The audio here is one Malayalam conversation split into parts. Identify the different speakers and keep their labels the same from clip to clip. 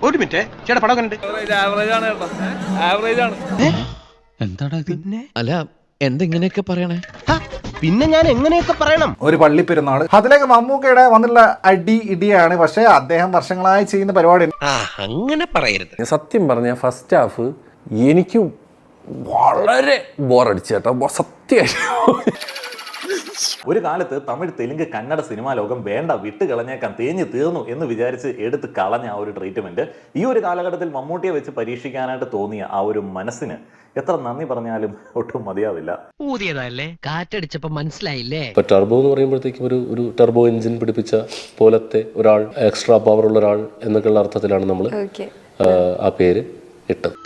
Speaker 1: ഒരു മിനിറ്റ് ചേട്ടാ പടം കണ്ടിട്ട്
Speaker 2: എന്താടാ പിന്നെ അല്ല എന്തെങ്ങനെയൊക്കെ പറയണേ
Speaker 1: പിന്നെ ഞാൻ എങ്ങനെയൊക്കെ പറയണം.
Speaker 3: ഒരു പള്ളിപ്പെരുന്നാൾ അതിലേക്ക് മമ്മൂക്കയുടെ വന്നുള്ള അടി ഇടിയാണ്. പക്ഷെ അദ്ദേഹം വർഷങ്ങളായി ചെയ്യുന്ന പരിപാടി
Speaker 1: അങ്ങനെ പറയരുത്.
Speaker 4: സത്യം പറഞ്ഞ ഫസ്റ്റ് ഹാഫ് എനിക്ക് വളരെ ബോറടിച്ചു കേട്ടോ, സത്യമായിട്ട്.
Speaker 5: ഒരു കാലത്ത് തമിഴ്, തെലുങ്ക്, കന്നഡ സിനിമാ ലോകം വേണ്ട വിട്ട് കളഞ്ഞേക്കാൻ തേഞ്ഞു തീർന്നു എന്ന് വിചാരിച്ച് എടുത്ത് കളഞ്ഞ ആ ഒരു ട്രീറ്റ്മെന്റ് ഈ ഒരു കാലഘട്ടത്തിൽ മമ്മൂട്ടിയെ വെച്ച് പരീക്ഷിക്കാനായിട്ട് തോന്നിയ ആ ഒരു മനസ്സിന് എത്ര നന്ദി പറഞ്ഞാലും ഒട്ടും മതിയാവില്ല.
Speaker 6: ഊതിയതല്ലേ, കാറ്റടിച്ചപ്പോ മനസ്സിലായില്ലേ.
Speaker 7: ഇപ്പൊ ടർബോ എന്ന് പറയുമ്പോഴത്തേക്കും ഒരു ടർബോ എഞ്ചിൻ പിടിപ്പിച്ച പോലത്തെ ഒരാൾ, എക്സ്ട്രാ പവർ ഉള്ള ഒരാൾ എന്നൊക്കെയുള്ള അർത്ഥത്തിലാണ് നമ്മൾ ആ പേര് ഇട്ടത്.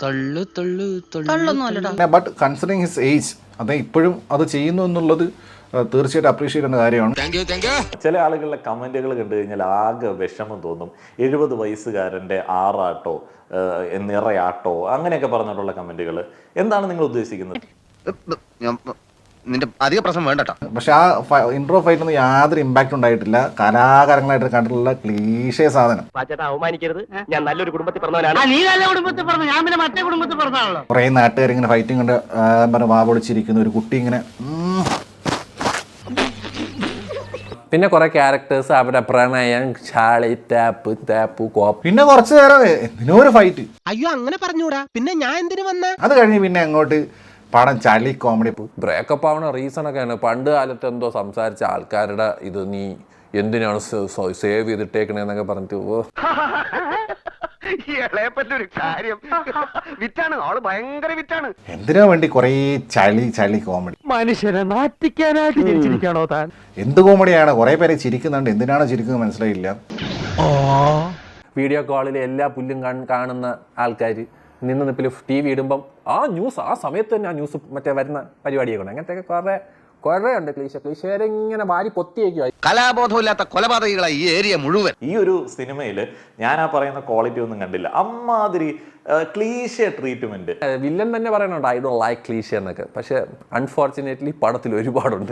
Speaker 3: ബട്ട് കൺസിഡറിങ് ഹിസ് ഏജ് അദ്ദേഹം ഇപ്പോഴും അത് ചെയ്യുന്നു എന്നുള്ളത് തീർച്ചയായിട്ടും അപ്രീഷിയേറ്റ് ചെയ്യുന്ന കാര്യമാണ്.
Speaker 5: ചില ആളുകളുടെ കമന്റുകൾ കണ്ടു കഴിഞ്ഞാൽ ആകെ വിഷമം തോന്നും. 70 വയസ്സുകാരൻ്റെ ആറാട്ടോ, നിറയാട്ടോ, അങ്ങനെയൊക്കെ പറഞ്ഞിട്ടുള്ള കമന്റുകൾ. എന്താണ് നിങ്ങൾ ഉദ്ദേശിക്കുന്നത്?
Speaker 1: നിന്റെ അധിക പ്രശ്നം വേണ്ടട്ടോ.
Speaker 3: പക്ഷെ ആ ഇൻട്രോ ഫൈറ്റിലൊന്നും യാതൊരു ഇമ്പാക്ട് ഉണ്ടായിട്ടില്ല. കലാകാരങ്ങളായിട്ട് കണ്ടിട്ടുള്ള ക്ലീഷേ സാധനം.
Speaker 6: അവമാനിക്കരുത്, ഞാൻ നല്ലൊരു കുടുംബത്തിൽ പറഞ്ഞവനാണ്. നീ നല്ല കുടുംബത്തിൽ പറഞ്ഞു, ഞാൻ പിന്നെ മറ്റേ കുടുംബത്തിൽ പറഞ്ഞാണല്ലോ.
Speaker 3: കുറേ നാട്ടുകാർ ഇങ്ങനെ ഫൈറ്റിംഗ് കണ്ട് പറഞ്ഞ് വാപൊളിച്ചിരിക്കുന്ന ഒരു കുട്ടി ഇങ്ങനെ.
Speaker 4: പിന്നെ കുറെ ക്യാരക്ടേഴ്സ്, അവരുടെ പ്രണയം, ചാളി, താപ്പ് കോപ്പ്.
Speaker 3: പിന്നെ കുറച്ചു നേരം എന്തിനോ ഒരു ഫൈറ്റ്.
Speaker 6: അയ്യോ അങ്ങനെ പറഞ്ഞൂടാ, പിന്നെ ഞാൻ എന്തിനു വന്ന.
Speaker 3: അത് കഴിഞ്ഞ് പിന്നെ അങ്ങോട്ട് പടം ചളി കോമഡി.
Speaker 4: ബ്രേക്കപ്പ് ആവണ റീസൺ ഒക്കെയാണ് പണ്ട് കാലത്ത് എന്തോ സംസാരിച്ച ആൾക്കാരുടെ ഇത് നീ എന്തിനാണ് സേവ് ചെയ്തിട്ടേക്കണേന്നൊക്കെ പറഞ്ഞിട്ട്
Speaker 1: ഒരു കാര്യം വിറ്റാണ്, ആള് ഭയങ്കര വിറ്റാണ്.
Speaker 3: എന്തിനോ വേണ്ടി കുറേ ചളി കോമഡി.
Speaker 6: മനുഷ്യനെ നാറ്റിക്കാനായിട്ട് ചിരിച്ചിരിക്കണോ താൻ?
Speaker 3: എന്ത് കോമഡിയാണ്, കുറെ പേരെ ചിരിക്കുന്നുണ്ട്. എന്തിനാണ് ചിരിക്കുന്നത് മനസ്സിലായില്ല.
Speaker 4: വീഡിയോ കോളിൽ എല്ലാ പുല്ലും കാണുന്ന ആൾക്കാർ നിന്ന് നിപ്പിൽ TV ഇടുമ്പം ആ ന്യൂസ് ആ സമയത്ത് തന്നെ ആ ന്യൂസ് മറ്റേ വരുന്ന പരിപാടിയൊക്കെ ഉണ്ട്. അങ്ങനത്തെ കുറേ ഉണ്ട്. ക്ലീശേരെ ഇങ്ങനെ വാരി പൊത്തിയേക്കുവായി.
Speaker 1: കലാബോധമില്ലാത്ത കൊലപാതകികളായി ഈ ഏരിയ മുഴുവൻ.
Speaker 5: ഈ ഒരു സിനിമയിൽ ഞാൻ ആ പറയുന്ന ക്വാളിറ്റി ഒന്നും കണ്ടില്ല. അമ്മാതിരി ക്ലീശേ ട്രീറ്റ്മെന്റ്.
Speaker 4: വില്ലൻ തന്നെ പറയുന്നുണ്ട് ഐ ഡോണ്ട് ലൈക്ക് ക്ലീശ എന്നൊക്കെ. പക്ഷെ അൺഫോർച്ചുനേറ്റ്ലി പടത്തിൽ ഒരുപാടുണ്ട്.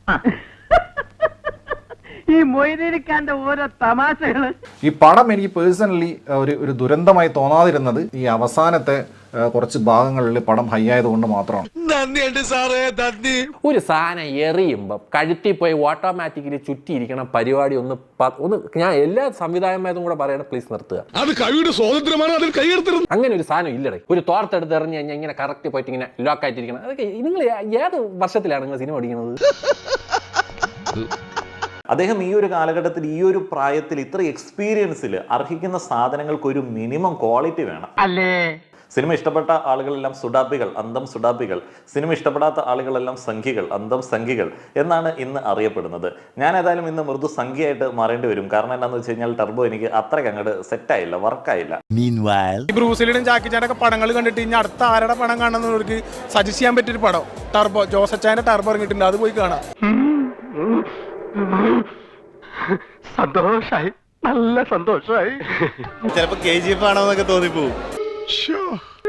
Speaker 6: ഈ മൊയ്തീനിക്കാന്റെ ഓരോ തമാശകള്. ഈ
Speaker 3: പടം എനിക്ക് പേഴ്സണലി ഒരു ദുരന്തമായി തോന്നാതിരുന്നത് ഈ അവസാനത്തെ കുറച്ച് ഭാഗങ്ങളിൽ പടം ഹൈ ആയതുകൊണ്ട് മാത്രമാണ്.
Speaker 4: ഒരു സാധനം എറിയുമ്പം കഴുത്തി പോയി ഓട്ടോമാറ്റിക്കലി ചുറ്റിയിരിക്കണ പരിപാടി ഒന്ന് ഞാൻ എല്ലാ സംവിധായകന്മാരും കൂടെ പറയണം, പ്ലീസ് നിർത്തുക.
Speaker 8: അത് കൈയുടെ സ്വാതന്ത്ര്യമാണ്, അതിൽ കൈയെടുത്തിരുന്നു.
Speaker 4: അങ്ങനെ ഒരു സാധനം ഇല്ലടേ. ഒരു തോർത്തെടുത്ത് എറിഞ്ഞ് കഴിഞ്ഞാൽ ഇങ്ങനെ കറക്റ്റ് പോയിട്ട് ഇങ്ങനെ ലോക്കായിട്ടിരിക്കണം. അതൊക്കെ നിങ്ങൾ ഏത് വർഷത്തിലാണ് നിങ്ങൾ സിനിമ പഠിക്കുന്നത്?
Speaker 5: അദ്ദേഹം ഈ ഒരു കാലഘട്ടത്തിൽ ഈ ഒരു പ്രായത്തിൽ ഇത്ര എക്സ്പീരിയൻസിൽ അർഹിക്കുന്ന സാധനങ്ങൾക്ക് ഒരു മിനിമം ക്വാളിറ്റി വേണം
Speaker 6: അല്ലേ?
Speaker 5: സിനിമ ഇഷ്ടപ്പെട്ട ആളുകളെല്ലാം സുഡാപ്പികൾ, അന്തം സുഡാപ്പികൾ. സിനിമ ഇഷ്ടപ്പെടാത്ത ആളുകളെല്ലാം സംഖ്യകൾ, അന്തം സംഖ്യകൾ എന്നാണ് ഇന്ന് അറിയപ്പെടുന്നത്. ഞാൻ ഏതായാലും ഇന്ന് മൃദു സംഖ്യയായിട്ട് മാറേണ്ടി വരും. കാരണം എന്താണെന്ന് വെച്ച് കഴിഞ്ഞാൽ ടർബോ എനിക്ക് അത്രയ്ക്ക് അങ്ങോട്ട് സെറ്റായില്ല, വർക്കായില്ല.
Speaker 8: ബ്രൂസിലിനും ജാക്കി ചാനൊക്കെ പടങ്ങൾ കണ്ടിട്ട് ഇനി അടുത്ത ആരുടെ പടം കാണുന്നവർക്ക് സജസ്റ്റ് ചെയ്യാൻ പറ്റിയൊരു പടം ടർബോ. ജോസച്ചാന്റെ ടർബോ ഇറങ്ങിയിട്ടുണ്ട്, അത് പോയി കാണാം.
Speaker 1: സന്തോഷായി, നല്ല സന്തോഷായി.
Speaker 8: ചിലപ്പോ KGF ആണോന്നൊക്കെ തോന്നിപ്പോവും.